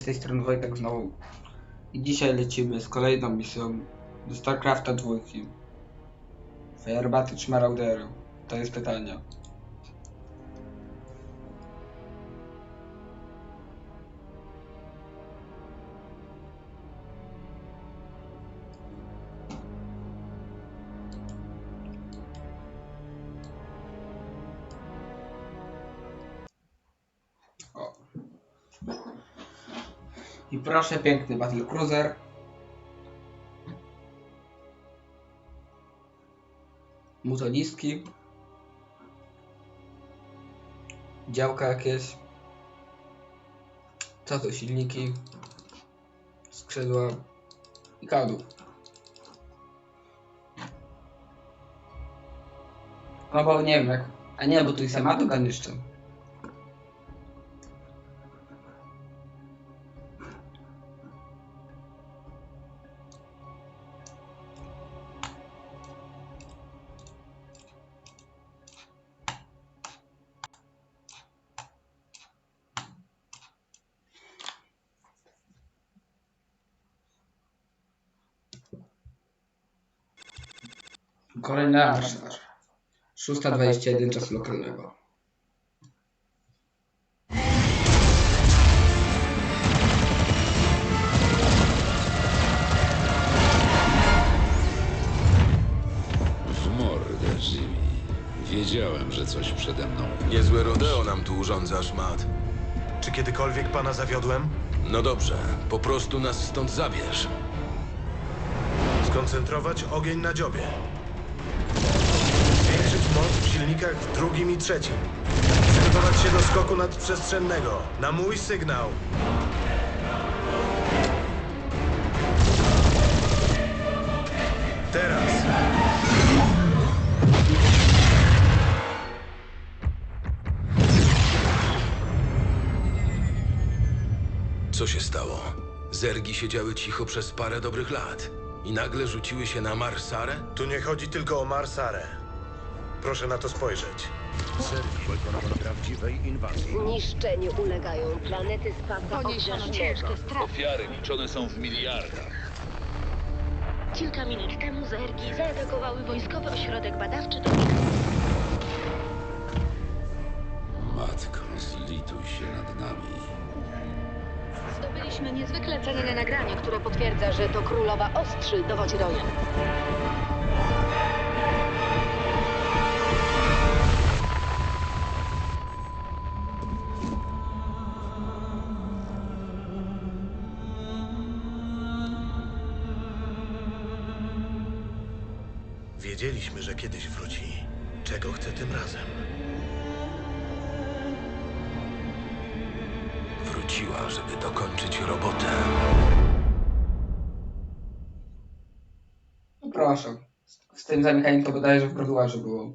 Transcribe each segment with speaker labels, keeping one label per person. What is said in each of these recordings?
Speaker 1: Z tej strony Wojtek znowu i dzisiaj lecimy z kolejną misją do StarCrafta 2. Fajerbaty czy Maraudery? To jest pytanie. O. I proszę, piękny Battlecruiser. Mutoliski. Działka jakieś. Co to? Silniki. Skrzydła. I kadłub. No bo nie wiem jak... A nie, bo tu jest Amatogan jeszcze. Kolejny arsenal. 6:21 czasu lokalnego.
Speaker 2: W mordę, Jimmy. Wiedziałem, że coś przede mną.
Speaker 3: Niezłe rodeo nam tu urządzasz, Matt.
Speaker 4: Czy kiedykolwiek pana zawiodłem?
Speaker 3: No dobrze, po prostu nas stąd zabierz.
Speaker 4: Skoncentrować ogień na dziobie. Zwiększyć moc w silnikach w drugim i trzecim. Przygotować się do skoku nadprzestrzennego. Na mój sygnał. Teraz.
Speaker 3: Co się stało? Zergi siedziały cicho przez parę dobrych lat i nagle rzuciły się na Marsarę?
Speaker 4: Tu nie chodzi tylko o Marsarę. Proszę na to spojrzeć.
Speaker 5: Zniszczeniu ulegają planety spadka obrzeżnego.
Speaker 2: Ofiary liczone są w miliardach.
Speaker 6: Kilka minut temu zergi zaatakowały wojskowy ośrodek badawczy do
Speaker 2: Matko, zlituj się nad nami.
Speaker 6: Zdobyliśmy niezwykle cenne nagranie, które potwierdza, że to królowa Ostrzy dowodzi rojem.
Speaker 4: Wiedzieliśmy, że kiedyś wróci. Czego chce tym razem?
Speaker 3: Wróciła, żeby dokończyć robotę.
Speaker 1: No proszę. Z tym zamykaniem to bodajże w graduarze było.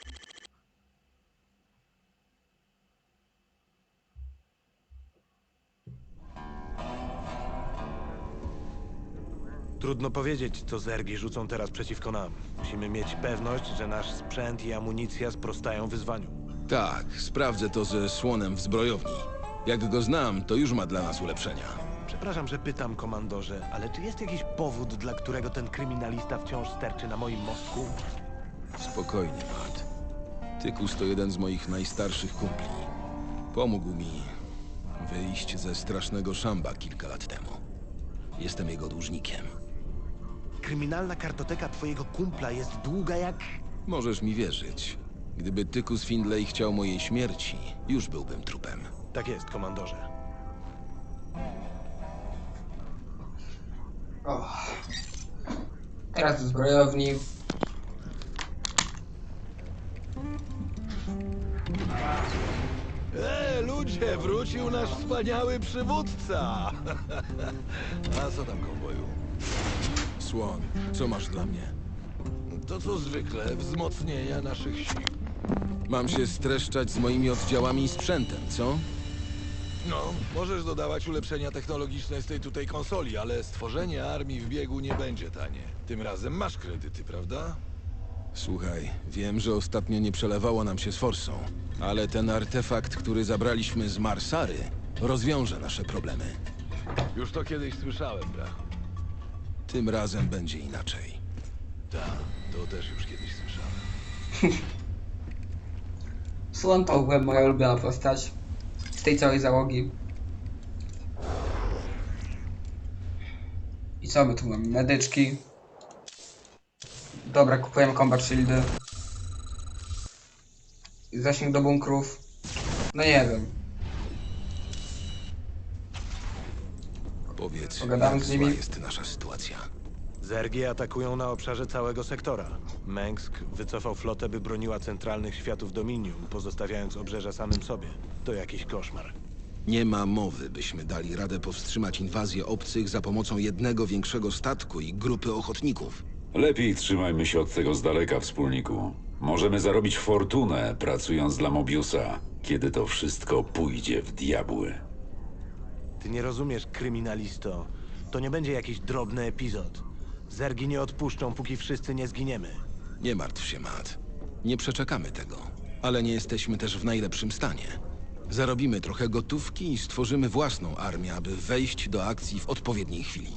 Speaker 4: Trudno powiedzieć, co zergi rzucą teraz przeciwko nam. Musimy mieć pewność, że nasz sprzęt i amunicja sprostają wyzwaniu.
Speaker 3: Tak, sprawdzę to ze słonem w zbrojowni. Jak go znam, to już ma dla nas ulepszenia.
Speaker 4: Przepraszam, że pytam, komandorze, ale czy jest jakiś powód, dla którego ten kryminalista wciąż sterczy na moim mostku?
Speaker 3: Spokojnie, Matt. Tykus to jeden z moich najstarszych kumpli. Pomógł mi wyjść ze strasznego szamba kilka lat temu. Jestem jego dłużnikiem.
Speaker 4: Kryminalna kartoteka twojego kumpla jest długa jak...
Speaker 3: Możesz mi wierzyć. Gdyby Tykus Findlay chciał mojej śmierci, już byłbym trupem.
Speaker 4: Tak jest, komandorze.
Speaker 1: O. Teraz do zbrojowni.
Speaker 7: Ludzie, wrócił nasz wspaniały przywódca! A co tam, konwoju?
Speaker 3: Słon, co masz dla mnie?
Speaker 7: To co zwykle, wzmocnienia naszych sił.
Speaker 3: Mam się streszczać z moimi oddziałami i sprzętem, co?
Speaker 7: No, możesz dodawać ulepszenia technologiczne z tej tutaj konsoli, ale stworzenie armii w biegu nie będzie tanie. Tym razem masz kredyty, prawda?
Speaker 3: Słuchaj, wiem, że ostatnio nie przelewało nam się z forsą, ale ten artefakt, który zabraliśmy z Marsary, rozwiąże nasze problemy.
Speaker 7: Już to kiedyś słyszałem, brachu.
Speaker 3: Tym razem będzie inaczej.
Speaker 7: Tak, to też już kiedyś słyszałem.
Speaker 1: Słon to była moja ulubiona postać z tej całej załogi. I co my tu mamy? Medyczki. Dobra, kupujemy combat shieldy. Zasięg do bunkrów. No nie wiem.
Speaker 3: Powiedz,
Speaker 1: Pogadamy
Speaker 3: jak
Speaker 1: z
Speaker 3: zła
Speaker 1: nimi.
Speaker 3: jest nasza sytuacja.
Speaker 4: Zergi atakują na obszarze całego sektora. Mengsk wycofał flotę, by broniła centralnych światów Dominium, pozostawiając obrzeża samym sobie. To jakiś koszmar.
Speaker 3: Nie ma mowy, byśmy dali radę powstrzymać inwazję obcych za pomocą jednego większego statku i grupy ochotników.
Speaker 2: Lepiej trzymajmy się od tego z daleka, wspólniku. Możemy zarobić fortunę, pracując dla Mobiusa, kiedy to wszystko pójdzie w diabły.
Speaker 4: Ty nie rozumiesz, kryminalisto. To nie będzie jakiś drobny epizod. Zergi nie odpuszczą, póki wszyscy nie zginiemy.
Speaker 3: Nie martw się, Matt. Nie przeczekamy tego. Ale nie jesteśmy też w najlepszym stanie. Zarobimy trochę gotówki i stworzymy własną armię, aby wejść do akcji w odpowiedniej chwili.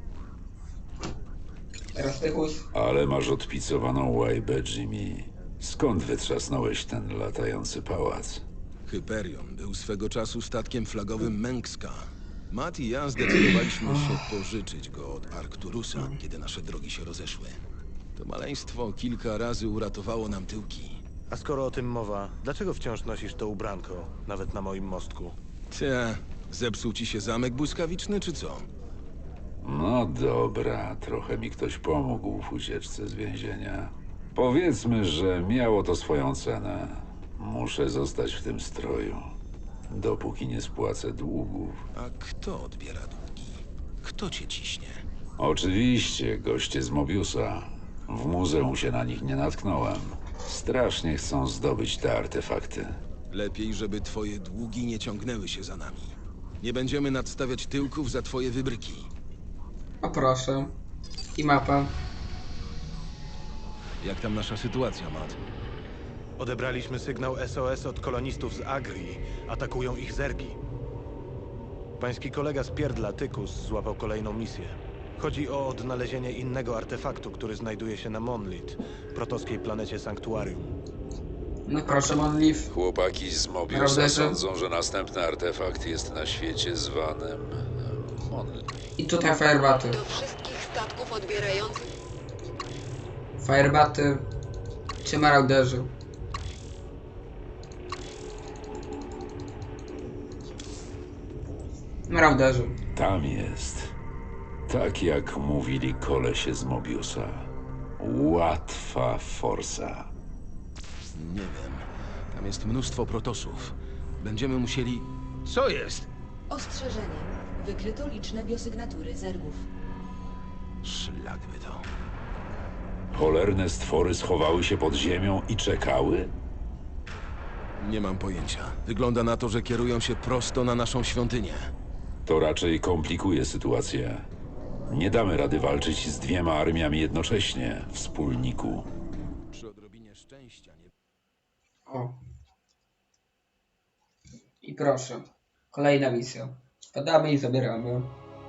Speaker 1: Teraz Tychus.
Speaker 2: Ale masz odpicowaną łajbę, Jimmy. Skąd wytrzasnąłeś ten latający pałac?
Speaker 3: Hyperion był swego czasu statkiem flagowym Mengska. Matt i ja zdecydowaliśmy się pożyczyć go od Arcturusa, kiedy nasze drogi się rozeszły. To maleństwo kilka razy uratowało nam tyłki.
Speaker 4: A skoro o tym mowa, dlaczego wciąż nosisz to ubranko, nawet na moim mostku?
Speaker 3: Zepsuł ci się zamek błyskawiczny, czy co?
Speaker 2: No dobra, trochę mi ktoś pomógł w ucieczce z więzienia. Powiedzmy, że miało to swoją cenę. Muszę zostać w tym stroju, dopóki nie spłacę długów.
Speaker 3: A kto odbiera długi? Kto cię ciśnie?
Speaker 2: Oczywiście, goście z Mobiusa. W muzeum się na nich nie natknąłem. Strasznie chcą zdobyć te artefakty.
Speaker 3: Lepiej, żeby twoje długi nie ciągnęły się za nami. Nie będziemy nadstawiać tyłków za twoje wybryki.
Speaker 1: O proszę. I mapa.
Speaker 3: Jak tam nasza sytuacja, Matt?
Speaker 4: Odebraliśmy sygnał SOS od kolonistów z Agri. Atakują ich Zergi. Pański kolega z Pierdla, Tychus, złapał kolejną misję. Chodzi o odnalezienie innego artefaktu, który znajduje się na Monlit, protoskiej planecie Sanktuarium.
Speaker 1: No proszę, Monleaf.
Speaker 2: Chłopaki z Mobiusa
Speaker 1: Prawda, że-
Speaker 2: sądzą, że następny artefakt jest na świecie zwanym Monlit.
Speaker 1: I tutaj firebaty.
Speaker 5: Do wszystkich statków odbierających
Speaker 1: Firebaty. Czy marauderzy. Marauderzy.
Speaker 2: Tam jest. Tak jak mówili kolesie z Mobiusa. Łatwa forsa.
Speaker 3: Nie wiem. Tam jest mnóstwo protosów. Będziemy musieli... Co jest?
Speaker 8: Ostrzeżenie. Wykryto liczne biosygnatury zergów.
Speaker 3: Szlak by to.
Speaker 2: Cholerne stwory schowały się pod ziemią i czekały?
Speaker 3: Nie mam pojęcia. Wygląda na to, że kierują się prosto na naszą świątynię.
Speaker 2: To raczej komplikuje sytuację. Nie damy rady walczyć z dwiema armiami jednocześnie, wspólniku.
Speaker 3: Przy odrobinie szczęścia nie...
Speaker 1: O. I proszę. Kolejna misja. Spadamy i zabieramy.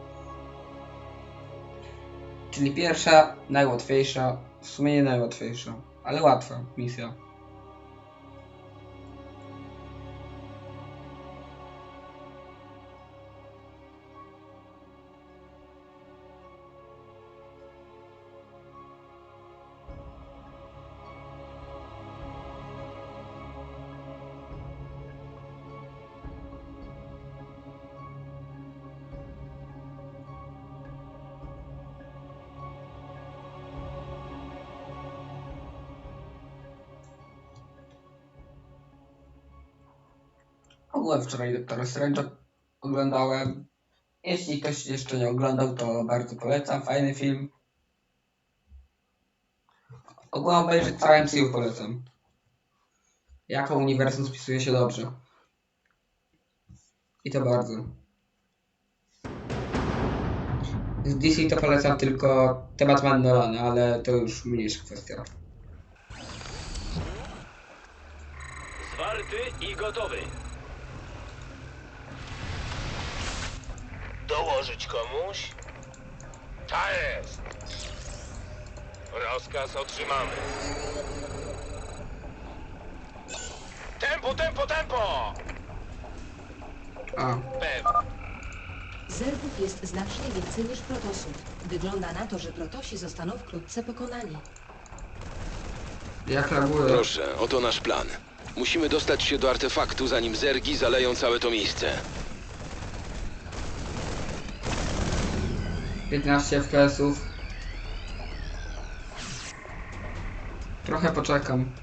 Speaker 1: Czyli pierwsza, najłatwiejsza. W sumie nie najłatwiejsza, ale łatwa misja. Ogółem wczoraj Doktora Strange'a oglądałem. Jeśli ktoś jeszcze nie oglądał, to bardzo polecam. Fajny film. Ogółem obejrzeć całe MCU polecam. Jako uniwersum spisuje się dobrze. I to bardzo. Z DC to polecam tylko te Batman Nolana, ale to już mniejsza kwestia.
Speaker 9: Zwarty i gotowy. Dołożyć komuś? Ta jest! Rozkaz otrzymamy. Tempo, tempo, tempo!
Speaker 1: A,
Speaker 9: Pewnie.
Speaker 8: Zergów jest znacznie więcej niż protosów. Wygląda na to, że protosi zostaną wkrótce pokonani.
Speaker 1: jak laguje.
Speaker 3: Proszę, oto nasz plan. Musimy dostać się do artefaktu, zanim zergi zaleją całe to miejsce.
Speaker 1: 15 FPS-ów. Trochę poczekam.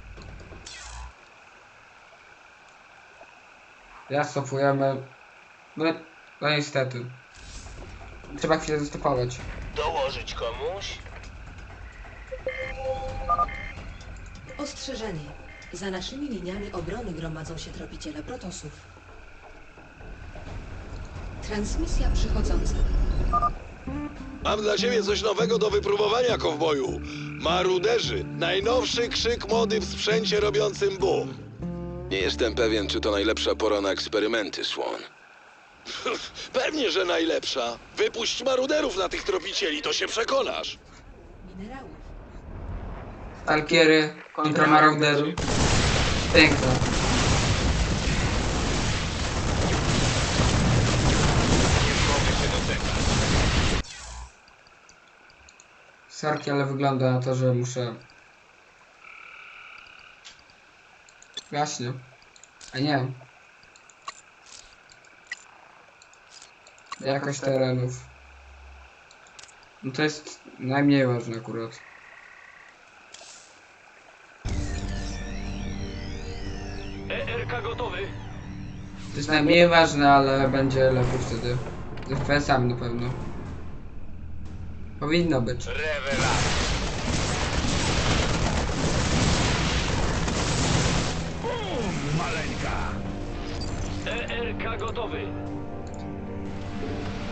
Speaker 1: Raz cofujemy. No niestety. Trzeba chwilę zastopować.
Speaker 9: Dołożyć komuś?
Speaker 8: Ostrzeżenie. Za naszymi liniami obrony gromadzą się tropiciele protosów. Transmisja przychodząca.
Speaker 7: Mam dla ciebie coś nowego do wypróbowania, kowboju. Maruderzy. Najnowszy krzyk mody w sprzęcie robiącym boom.
Speaker 3: Nie jestem pewien, czy to najlepsza pora na eksperymenty, Swan.
Speaker 7: Pewnie, że najlepsza. Wypuść maruderów na tych tropicieli, to się przekonasz.
Speaker 8: Minerałów.
Speaker 1: Stalkiery kontra maraudery. Piękne.
Speaker 9: Mogę się doczekać.
Speaker 1: Sarki, ale wygląda na to, że muszę... Właśnie. A nie. Jakość terenów. No to jest najmniej ważne akurat.
Speaker 9: ERK gotowy.
Speaker 1: To jest najmniej ważne, ale będzie lepiej wtedy. Z FPS-ami na pewno. Powinno być.
Speaker 9: Rewelacja. Maleńka. ERK gotowy.